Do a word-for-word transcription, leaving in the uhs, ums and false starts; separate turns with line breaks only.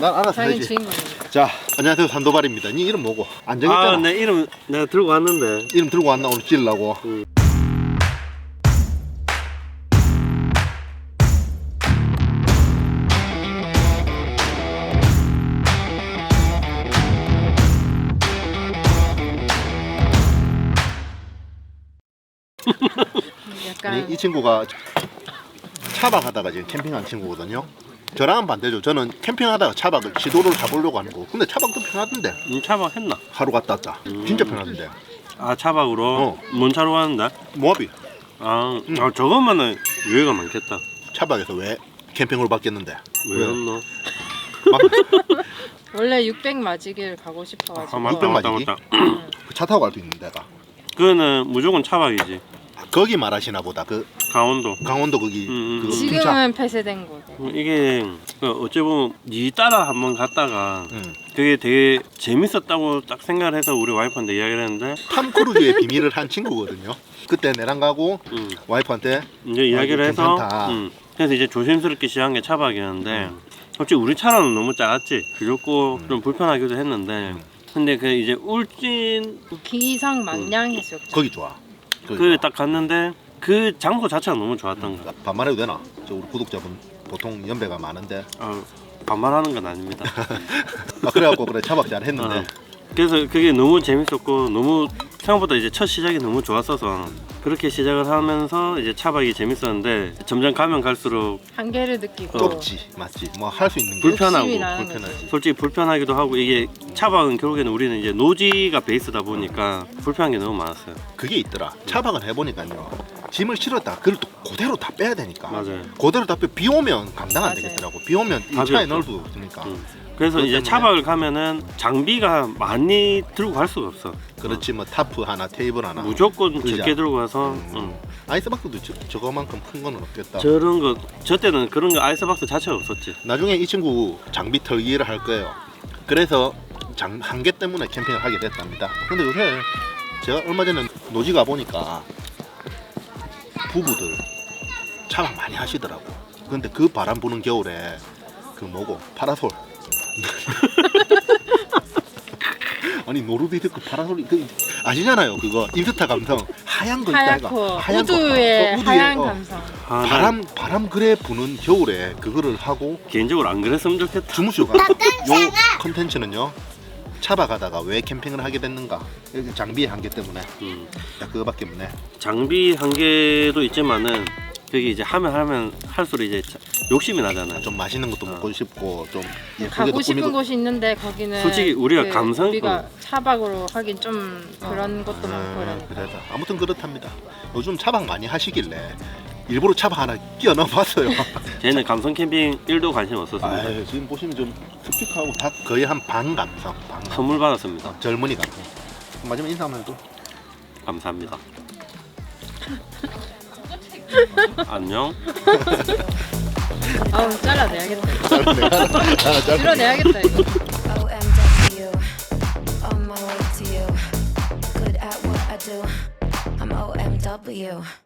난 알아서
자기는
해야지.
주인공이니까.
자, 안녕하세요. 산도발입니다. 니 이름 뭐고? 안 정했잖아.
아, 내 이름 내가 들고 왔는데.
이름 들고 왔나 오늘 찌르려고.
응.
약간
아니, 이 친구가 차박하다가 지금 캠핑한 친구거든요. 저랑은 반대죠. 저는 캠핑하다가 차박을 시도를 잡으려고 하는 거고. 근데 차박도 편하던데.
음, 차박 했나?
하루 갔다 왔다.
음.
진짜 편하던데.
아, 차박으로?
어.
뭔 차로 가는데?
모하비
아,
응.
아 저것만은 유해가 많겠다.
차박에서 왜 캠핑으로 바뀌었는데?
왜 그랬노?
막
원래 육백 맞이길 가고 싶어가지고.
아, 맞다,
육백
맞다,
맞이기?
맞다.
차 타고 갈 수 있는 데가.
그거는 무조건 차박이지.
거기 말하시나 보다. 그
강원도.
강원도 거기
음, 음.
그 풍차.
지금은 폐쇄된 곳.
음, 이게 그 어찌 보면 니 따라 한번 갔다가
응.
그게 되게 재밌었다고 딱 생각을 해서 우리 와이프한테 이야기를 했는데
탐 크루즈의 비밀을 한 친구거든요. 그때 내랑 가고
음,
와이프한테
이제 이야기를
아,
해서
괜찮다.
음, 그래서 이제 조심스럽게 시작한 게 차박이었는데
음.
솔직히 우리 차로는 너무 작았지. 그렇고
음.
좀 불편하기도 했는데
음.
근데 그 이제 울진
기상 망량 해수욕장.
거기 좋아. 거기
그
좋아.
딱 갔는데 그 장소 자체가 너무 좋았던 거야.
반말해도 되나? 저 우리 구독자분 보통 연배가 많은데.
아, 반말하는 건 아닙니다.
아 그래갖고 그래 차박 잘 했는데.
어. 그래서 그게 너무 재밌었고 너무 생각보다 이제 첫 시작이 너무 좋았어서 그렇게 시작을 하면서 이제 차박이 재밌었는데 점점 가면 갈수록
한계를 느끼고.
좁지 맞지. 뭐 할 수 있는 게
불편하고
욕심이 나는
불편하지.
거지.
솔직히 불편하기도 하고 이게 차박은 결국에는 우리는 이제 노지가 베이스다 보니까 불편한 게 너무 많았어요.
그게 있더라. 차박을 해보니까요. 짐을 실었다. 그걸 또 그대로 다 빼야 되니까.
맞아요.
그대로 다 빼. 비 오면 감당 안
맞아요.
되겠더라고. 비 오면 이
답이
차에
없어.
넣을 수 없으니까.
음. 그래서
그것
이제
때문에.
차박을 가면은 장비가 많이 들고 갈 수가 없어.
그렇지 뭐 타프 하나, 테이블 하나.
무조건
의자.
적게 들고 가서
음.
응.
아이스박스도 저, 저거만큼 큰 거는 없겠다.
저런 거 저 때는 그런 거 아이스박스 자체가 없었지.
나중에 이 친구 장비 털기를 할 거예요. 그래서 장, 한계 때문에 캠핑을 하게 됐답니다. 근데 요새 제가 얼마 전에 노지 가 보니까 부부들 차박 많이 하시더라고. 근데 그 바람 부는 겨울에 그 뭐고 파라솔. 아니 노르디드크 파라솔이 그 아시잖아요. 그거 인스타 감성 하얀 거 있다
하얗고
이거.
우드의
거. 어,
하얀
어.
감성.
아, 난
바람 바람 그래 부는 겨울에 그거를 하고
개인적으로 안 그랬으면 좋겠다.
주무시고 요 컨텐츠는요. 차박하다가 왜 캠핑을 하게 됐는가? 여기 장비의 한계 때문에.
음.
야, 그거밖에 없네.
장비 한계도 있지만은 그게 이제 하면 하면 할수록 이제 자- 욕심이 나잖아요.
좀 맛있는 것도
어.
먹고 싶고 좀
가고 싶은
꾸미고.
곳이 있는데 거기는
솔직히 우리가 감성-
우리가
어.
차박으로 하긴 좀 그런 것도 많고
아,
이러니까.
그래서 아무튼 그렇답니다. 요즘 차박 많이 하시길래 일부러 차박 하나 끼워 넣어봤어요.
쟤는 감성 캠핑 일도 관심 없었습니다.
아유, 지금 보시면 좀 스피커하고 다 거의 한 반 감성, 반 감성.
선물 받았습니다.
어, 젊은이 감성. 마지막 인사 한번 해도.
감사합니다. 안녕.
아우 잘라내야겠다.
내가 하나 짧게.
줄여내야겠다 이거.
O M W, on my way to you. Good at what I do. I'm O M W.